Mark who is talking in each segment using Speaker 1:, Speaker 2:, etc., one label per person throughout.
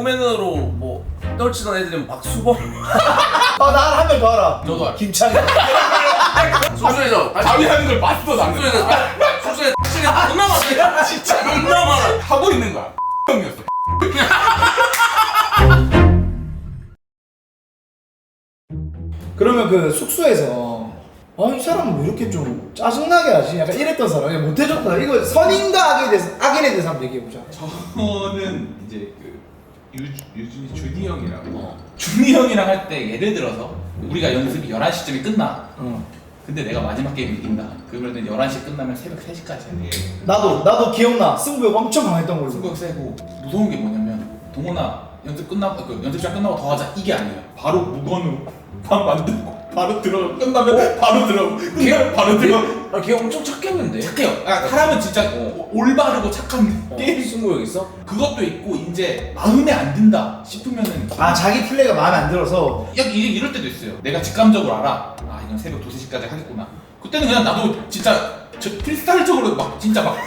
Speaker 1: 개그맨으로 뭐 떨치던 애들은 박수범.
Speaker 2: 난 한 명 더 알아.
Speaker 3: 저도 알아.
Speaker 2: 김창현.
Speaker 1: 숙소에서
Speaker 3: 자기 하는 걸 봤어 나는.
Speaker 1: 숙소에 존나 많아. 진짜 존나 많아.
Speaker 3: 하고 있는 거야. 형이었어.
Speaker 2: 그러면 그 숙소에서 이 사람은 왜 이렇게 좀 짜증나게 하지? 약간 이랬던 사람. 못해줬다. 이거 선인과 악인에 대해서 한번 얘기해보자.
Speaker 3: 저는 이제 그 유준이 준이 형이랑 준이 형이랑 할 때 예를 들어서 우리가 연습이 11시쯤에 끝나. 근데 내가 마지막 게임 이긴다. 그러면은 11시 끝나면 새벽 3시까지 해야 돼.
Speaker 2: 나도 기억나. 승부욕 엄청 강했던 걸로.
Speaker 3: 승부욕 세고 무서운 게 뭐냐면 동원아 연습 끝나고 연습장 끝나고 더 하자 이게 아니에요. 바로 무건으로 방 만들고 바로 들어가. 끝나면 바로 들어가고 끝나면 바로 들어가고.
Speaker 1: 걔 엄청 착했는데.
Speaker 3: 착해요. 사람은 진짜 올바르고 착한데
Speaker 1: 게임 승부욕 있어?
Speaker 3: 그것도 있고 이제 마음에 안 든다 싶으면은
Speaker 2: 자기 플레이가 마음에 안 들어서.
Speaker 3: 이럴 때도 있어요. 내가 직감적으로 알아. 이건 새벽 2, 3시까지 하겠구나. 그때는 그냥 나도 진짜 필살적으로 막 진짜 막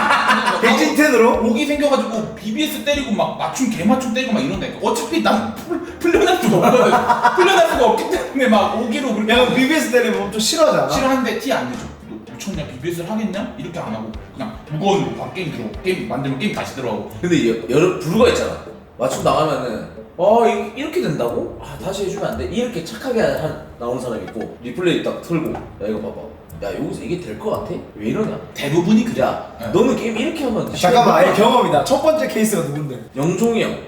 Speaker 2: 백진텐으로?
Speaker 3: 오기 생겨가지고 BBS 때리고 막 개맞춤 때리고 막 이런다니까. 어차피 난 풀려날 수가 없거든. 풀려날 수가 없기 때문에 막 오기로 그렇게
Speaker 2: 약간 BBS 때리면 엄청 싫어하잖아.
Speaker 3: 싫어하는데 티 안 내줘. 너 미쳤냐? BBS를 하겠냐? 이렇게 안 하고 그냥 무거운 바로 게임 들어. 게임 만들면 게임 다시 들어가고.
Speaker 1: 근데 여러 부류가 있잖아. 맞춤 나가면은 이렇게 된다고? 다시 해주면 안 돼? 이렇게 착하게 나오는 사람이 있고 리플레이 딱 틀고 야 이거 봐봐. 야 여기서 이게 될 것 같아? 왜 이러냐?
Speaker 3: 대부분이 그래.
Speaker 1: 야 너는 게임 이렇게 하면
Speaker 2: 잠깐만, 아예 경험이다. 첫 번째 케이스가 누군데?
Speaker 1: 영종이 형.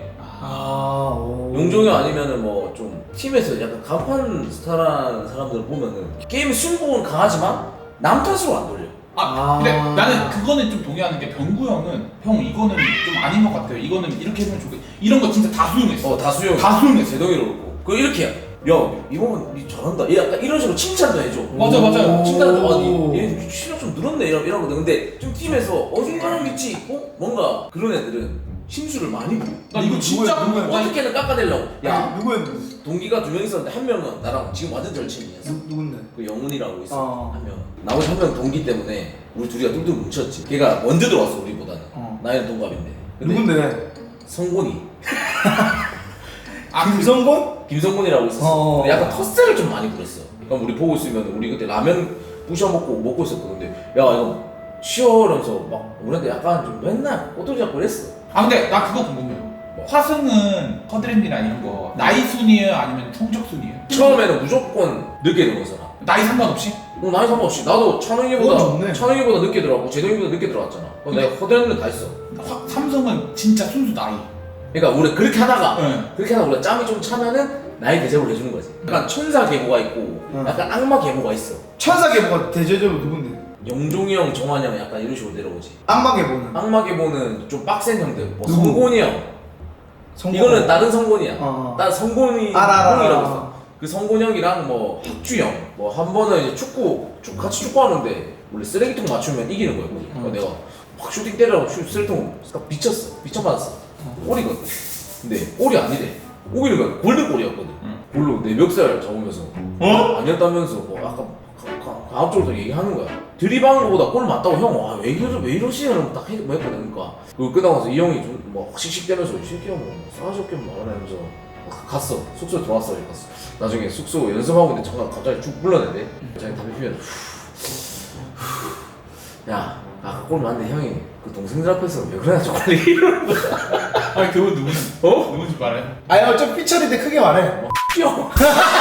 Speaker 2: 오.
Speaker 1: 용종이 아니면은 뭐 좀 팀에서 약간 간판 스타라는 사람들 보면은 게임 승부는 강하지만 남 탓으로 안 돌려.
Speaker 3: 근데 나는 그거는 좀 동의하는 게 병구 형은 형 이거는 좀 아닌 것 같아요. 이거는 이렇게 하면 좋겠. 이런 거 진짜 다 수용했어.
Speaker 1: 다 수용.
Speaker 3: 다 수용했어.
Speaker 1: 제동이로 그렇고. 그 이렇게 해. 야 이번은 니 잘한다. 약간 이런 식으로 칭찬도 해줘.
Speaker 3: 맞아요.
Speaker 1: 칭찬도 얘 실력 좀 늘었네 이러거든. 근데 좀 팀에서 어중간한 위치 있고 뭔가 그런 애들은 심수를 많이 부려.
Speaker 3: 나 이거 진짜
Speaker 1: 어떻게든 깎아내려고. 야
Speaker 2: 누구였는데?
Speaker 1: 동기가 2명 있었는데 한 명은 나랑 지금 완전 절친이었어.
Speaker 2: 누군데?
Speaker 1: 그 영훈이라고 있어. 한 명. 나머지 한 명 동기 때문에 우리 둘이가 뚱뚱 뭉쳤지. 걔가 먼저 들어왔어 우리보다는. 나이는 동갑인데. 근데
Speaker 2: 누군데?
Speaker 1: 성곤이.
Speaker 2: 김성곤?
Speaker 1: 김성곤이라고 있었어. 근데 약간 텃세를 좀 많이 부렸어. 그럼 우리 보고 있으면 우리 그때 라면 부셔 먹고 있었거든. 근데 야 이거 쉬어라면서 막 우리한테 약간 좀 맨날 꼬투리 잡고 그랬어.
Speaker 3: 근데 나 그거 궁금해요. 화승은 커드랜디나 이런 거 나이 순이에요 아니면 성적 순이에요?
Speaker 1: 처음에는 무조건 늦게 들어온 사람.
Speaker 3: 나이 상관없이?
Speaker 1: 나이 상관없이 나도 찬웅이보다
Speaker 2: 좋네.
Speaker 1: 늦게 들어왔고 제동이보다 늦게 들어왔잖아. 내가 커드랜드는 다 했어.
Speaker 3: 삼성은 진짜 순수 나이.
Speaker 1: 그러니까 우리 그렇게 하다가
Speaker 3: 네.
Speaker 1: 우리가 짬이 좀 차면은 나이 대접을 해주는 거지. 약간 천사 계보가 있고 약간 악마 계보가 있어.
Speaker 2: 천사 계보가 대체적으로 누군데?
Speaker 1: 영종이 형, 정환이 형 약간 이런 식으로 내려오지.
Speaker 2: 악마 계보는?
Speaker 1: 악마 계보는 좀 빡센 형들. 뭐
Speaker 2: 누구?
Speaker 1: 성곤이 형. 이거는 다른 성곤이야. 다른 성곤이 형이라고 있어. 그 성곤 형이랑 뭐 학주 형. 뭐 한 번은 이제 같이 축구하는데 원래 쓰레기통 맞추면 이기는 거였거든. 그래서 내가 확 슈팅 때리라고 쓰레기통 딱 미쳐맞았어. 골이거든. 근데 골이 아니래. 오기는 거야. 골든골이었거든. 골로 내 멱살 잡으면서 아니었다면서 뭐 아까 과학적으로 얘기하는 거야. 드리블하는 거보다 골 맞다고 형 왜 이러시냐고 딱 했거든. 그러니까 그거 끝나고 나서 이 형이 좀 뭐 씩씩대면서 이 새끼야 뭐 싸가지 없게 말하면서 갔어. 숙소에 들어왔어. 갔어. 나중에 숙소 연습하고 있는데 잠깐 갑자기 쭉 불러내대. 자기 담배 피면 야 아까 골 맞는데 형이 그 동생들 앞에서 왜 그러냐 초콜릿 이러는 거야.
Speaker 3: 그분 누구지? 누군지 말해.
Speaker 2: 어차피 삐처리인데 크게 말해.
Speaker 1: 형.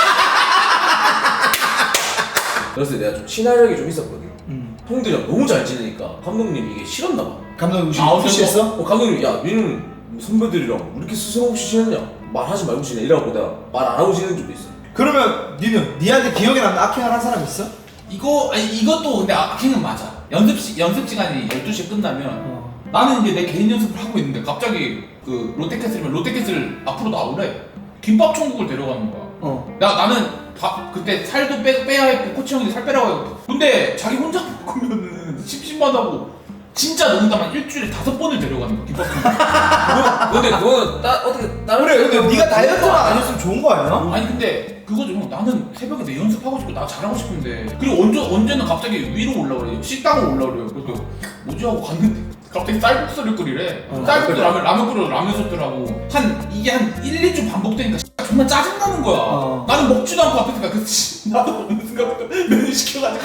Speaker 1: 그래서 내가 좀 친화력이 좀 있었거든. 형들이랑 너무 잘 지내니까 감독님이 이게 싫었나 봐.
Speaker 2: 감독님 푸시했어?
Speaker 1: 감독님이 야 니는 선배들이랑 왜 이렇게 스승 없이 지냈냐? 말하지 말고 지내 이라고 내가 말 안 하고 지내는 적도 있어.
Speaker 2: 그러면 니한테 기억에 남는 악행을 한 사람 있어?
Speaker 3: 이것도 근데 악행은 맞아. 연습 시간이 12시에 끝나면 나는 이제 내 개인 연습을 하고 있는데 갑자기 그 롯데캐슬이면 롯데캐슬 앞으로 나오래. 김밥 천국을 데려가는 거야. 나는 그때 살도 빼야 했고 코치 형이 살 빼라고 했고. 근데 자기 혼자 먹으면은 심심하다고 진짜 농담한 일주일에 5번을 데려가는 거야 김밥 천국.
Speaker 1: 근데 그거는 어떻게 다른
Speaker 2: 그래, 근데 네가 다이어트만 안 했으면 좋은 거 아니야?
Speaker 3: 아니 근데 그거죠. 나는 새벽에 내 연습하고 싶고 나 잘하고 싶은데 그리고 언제는 갑자기 위로 올라오래. 식당으로 올라오래요. 그래서 뭐지 하고 갔는데 갑자기 쌀국수를 끓이래. 쌀국수 라면 끓여 라면 솥들하고 이게 한 1, 2주 반복되니까 정말 짜증나는 거야. 나는 먹지도 않고 앞에서 나도 어느 순간부터 면을 시켜가지고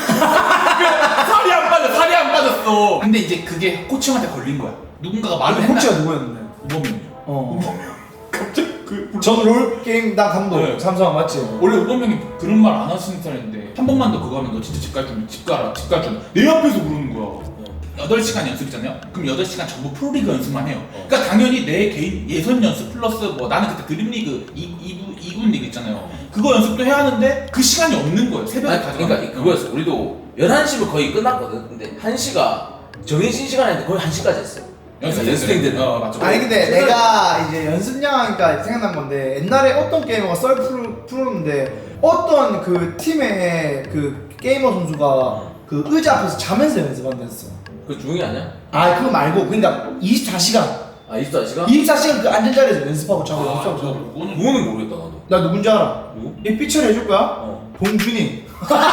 Speaker 3: 살이 안 빠졌어. 근데 이제 그게 코치형한테 걸린 거야. 누군가가 말을 했나?
Speaker 2: 코치가 누구였는데?
Speaker 3: 우범이요. 갑자기
Speaker 2: 전 롤게임 나 감독
Speaker 3: 네.
Speaker 2: 삼성 맞지?
Speaker 3: 원래 우범형이 그런 말 안 하시는 스타일인데 한 번만 더 그거 하면 너 진짜 집 갈 줄 집 가라 내 앞에서 그러는 거야. 8시간 연습이잖아요? 그럼 8시간 전부 프로리그 연습만 해요. 그러니까 당연히 내 개인 예선 연습 플러스 뭐 나는 그때 드림리그 2군 리그 있잖아요. 그거 연습도 해야 하는데 그 시간이 없는 거예요. 새벽에 가져가.
Speaker 1: 그러니까 그거였어. 우리도 11시면 거의 끝났거든. 근데 1시가 정해진 시간인데 거의 1시까지 했어요. 연습생들은.
Speaker 3: 맞죠.
Speaker 2: 아니 근데 내가 이제 연습량이니까 생각난 건데 옛날에 어떤 게이머가 썰 풀었는데 어떤 그 팀의 그 게이머 선수가 그 의자 앞에서 자면서 연습한다 했어.
Speaker 1: 그 중이 아니야?
Speaker 2: 아 그거 말고 그러니까 24시간
Speaker 1: 아 24시간?
Speaker 2: 24시간 그 앉은 자리에서 연습하고 자고 연습하고 자고.
Speaker 1: 그거는 모르겠다 나도.
Speaker 2: 나 누군지 알아?
Speaker 1: 누구?
Speaker 2: 이 삐처리 해줄 거야? 봉준이.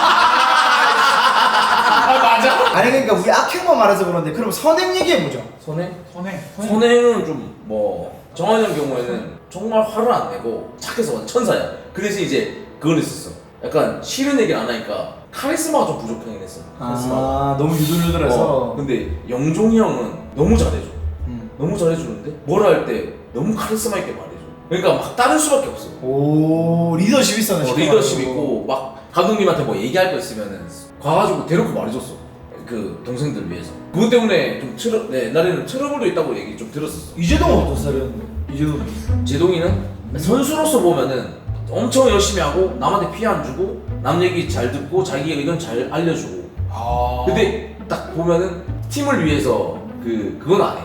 Speaker 3: 맞아.
Speaker 2: 아니 그러니까 우리 악행만 말해서 그런데 그럼 선행 얘기해보자.
Speaker 1: 선행?
Speaker 3: 선행.
Speaker 1: 좀 뭐 정환이 형 경우에는 정말 화를 안 내고 착해서 완전 천사야. 그 대신 이제 그건 있었어. 약간 싫은 얘기를 안 하니까 카리스마가 좀 부족하긴 했어.
Speaker 2: 아 너무 유들유들해서.
Speaker 1: 근데 영종이 형은 너무 잘해줘. 너무 잘해주는데 뭘 할 때 너무 카리스마 있게 말해줘. 그러니까 막 따를 수밖에 없어.
Speaker 2: 오 리더십 있었네.
Speaker 1: 리더십 있고 막 감독님한테 뭐 얘기할 거 있으면은 가가지고 대놓고 말해줬어. 그 동생들 위해서. 그것 때문에 좀 옛날에는 트러블도 있다고 얘기 좀 들었었어.
Speaker 2: 이재동은 어떤 스타일이었는데? 이재동.
Speaker 1: 제동이는 선수로서 보면은 엄청 열심히 하고 남한테 피해 안 주고 남 얘기 잘 듣고 자기 의견 잘 알려주고. 근데 딱 보면은 팀을 위해서 그건 안 해.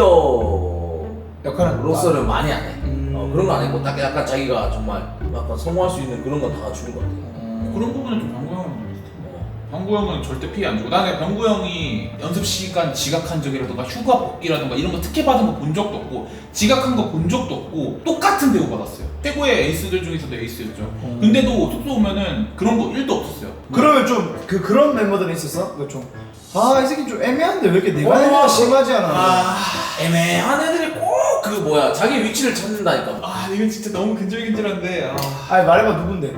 Speaker 1: 리더로서는 많이 안 해. 그런 거 안 했고 딱 약간 자기가 정말 약간 성공할 수 있는 그런 건 다 주는 것 같아.
Speaker 3: 그런 부분은 좀 병구 형은 병구 형은 절대 피해 안 주고 나는 병구 형이 연습 시간 지각한 적이라든가 휴가 복귀라든가 이런 거 특혜 받은 거 본 적도 없고 지각한 거 본 적도 없고 똑같은 대우 받았어요. 최고의 에이스들 중에서도 에이스였죠. 근데도 숙소 오면은 그런 거 1도 없었어요.
Speaker 2: 그러면 좀 그런 멤버들은 있었어? 이 새끼 좀 애매한데 왜 이렇게 내가 애매가 심하지 않아?
Speaker 1: 애매한 애들이 꼭 그 뭐야 자기 위치를 찾는다니까.
Speaker 3: 이건 진짜 너무 근질근질한데.
Speaker 2: 아니 말해봐 누군데?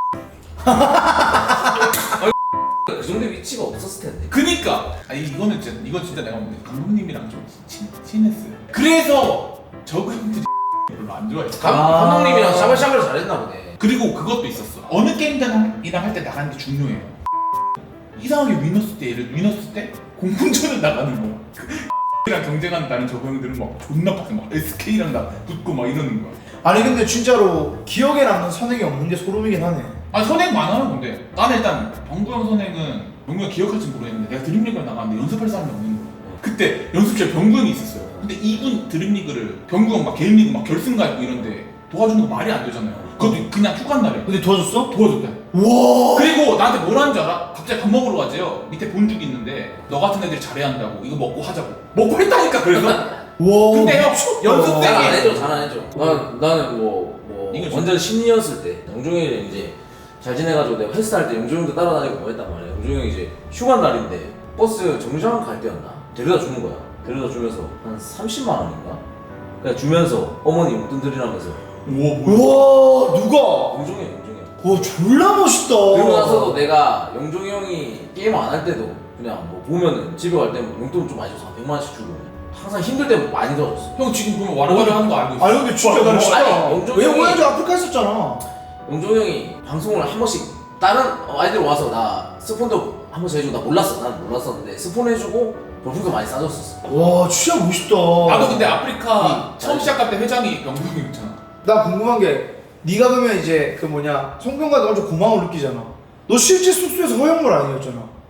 Speaker 1: 그 정도 위치가 없었을 텐데.
Speaker 3: 그니까 이건 진짜 내가 감독님이랑 좀 친했어요. 그래서 저분들이 별로 안 좋아했어.
Speaker 1: 감독님이랑 샤발샤발을 잘했나 보네.
Speaker 3: 그리고 그것도 있었어. 어느 게임이랑 할 때 나가는 게 중요해요. 이상하게 위너스 때 공군전을 나가는 거야. 이랑 경쟁한다는 저 형들은 막 존나 빡세 막 SK랑 나 붙고 막 이러는 거야.
Speaker 2: 아니 근데 진짜로 기억에 남는 선행이 없는 게 소름이긴 하네.
Speaker 3: 선행 많아요. 근데 나는 일단 병구 형 선행은 병구 형 기억할지 모르겠는데 내가 드림리그를 나갔는데 연습할 사람이 없는 거야. 그때 연습실에 병구 형이 있었어요. 근데 2군 드림리그를 병구 형 막 개인 리그 막 결승 가고 이런데 도와주는 거 말이 안 되잖아요. 그것도 그냥 휴가 날에.
Speaker 2: 근데 도와줬어?
Speaker 3: 도와줬대.
Speaker 2: 와.
Speaker 3: 그리고 나한테 뭐라는 줄 알아? 갑자기 밥 먹으러 가재요. 밑에 본죽이 있는데 너 같은 애들이 잘해야 한다고 이거 먹고 하자고. 먹고 했다니까 그래서.
Speaker 2: 와.
Speaker 3: 근데 형 연습 때
Speaker 1: 잘 안 해줘, 잘 안 해줘. 나는
Speaker 3: 이거
Speaker 1: 완전 신이었을 때 영종이는 이제 잘 지내가지고 내가 헬스할 때 영종이도 따라다니고 뭐 했단 말이야. 영종이 이제 휴가 날인데 버스 정류장 갈 때였나? 데려다 주는 거야. 데려다 주면서 한 30만 원인가? 그냥 주면서 어머니 용돈 드리라면서.
Speaker 2: 우와 누가?
Speaker 1: 영종이.
Speaker 2: 와 졸라 멋있다.
Speaker 1: 그리고 나서도 내가 영종이 형이 게임 안 할 때도 그냥 뭐 보면은 집에 갈 때 용돈 좀 많이 줘서 100만 원씩 주고 항상 힘들 때 많이 도와줬어.
Speaker 3: 형 지금 보면 와라가라 하는 거 알고 있어.
Speaker 2: 아니 근데 진짜 멋있다.
Speaker 1: 아니, 영종이
Speaker 2: 왜
Speaker 1: 형이-
Speaker 2: 오야지 아프리카 있었잖아.
Speaker 1: 영종이 형이 방송을 한 번씩 다른 아이들 와서 나 스폰도 한 번씩 해주고 나 몰랐어. 난 몰랐었는데 스폰 해주고 별풍선 많이 싸줬었어.
Speaker 2: 와 진짜 멋있다.
Speaker 3: 나도 근데 아프리카 처음 시작할 때 회장이 병구 형이었잖아.
Speaker 2: 나 궁금한 게 네가 그러면 이제 그 뭐냐 송병관도 엄청 고마움을 느끼잖아. 너 실제 숙소에서 허영물 아니었잖아.